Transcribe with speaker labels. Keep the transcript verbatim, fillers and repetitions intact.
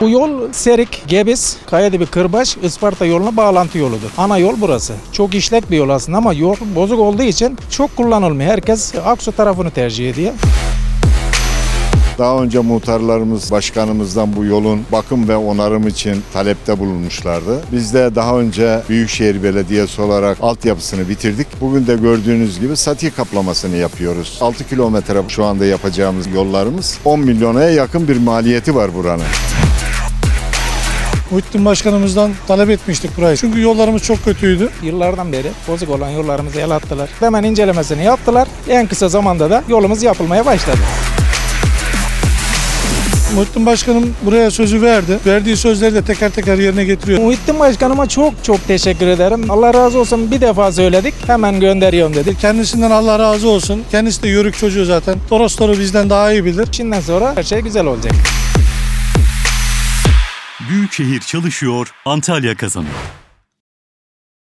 Speaker 1: Bu yol Serik, Gebis, Kayadibi, Kırbaç, Isparta yoluna bağlantı yoludur. Ana yol burası. Çok işlek bir yol aslında ama yol bozuk olduğu için çok kullanılmıyor. Herkes Aksu tarafını tercih ediyor.
Speaker 2: Daha önce muhtarlarımız başkanımızdan bu yolun bakım ve onarım için talepte bulunmuşlardı. Biz de daha önce Büyükşehir Belediyesi olarak altyapısını bitirdik. Bugün de gördüğünüz gibi sati kaplamasını yapıyoruz. altı kilometre şu anda yapacağımız yollarımız on milyona yakın bir maliyeti var buranın.
Speaker 3: Muhittin Başkanımızdan talep etmiştik burayı. Çünkü yollarımız çok kötüydü.
Speaker 1: Yıllardan beri bozuk olan yollarımızı el attılar. Hemen incelemesini yaptılar. En kısa zamanda da yolumuz yapılmaya başladı.
Speaker 3: Muhittin Başkanım buraya sözü verdi. Verdiği sözleri de teker teker yerine getiriyor.
Speaker 1: Muhittin Başkanıma çok çok teşekkür ederim. Allah razı olsun, bir defa söyledik. Hemen gönderiyorum dedik.
Speaker 3: Kendisinden Allah razı olsun. Kendisi de yörük çocuğu zaten. Torosları bizden daha iyi bilir.
Speaker 1: Şimdiden sonra her şey güzel olacak.
Speaker 4: Büyükşehir çalışıyor, Antalya kazanıyor.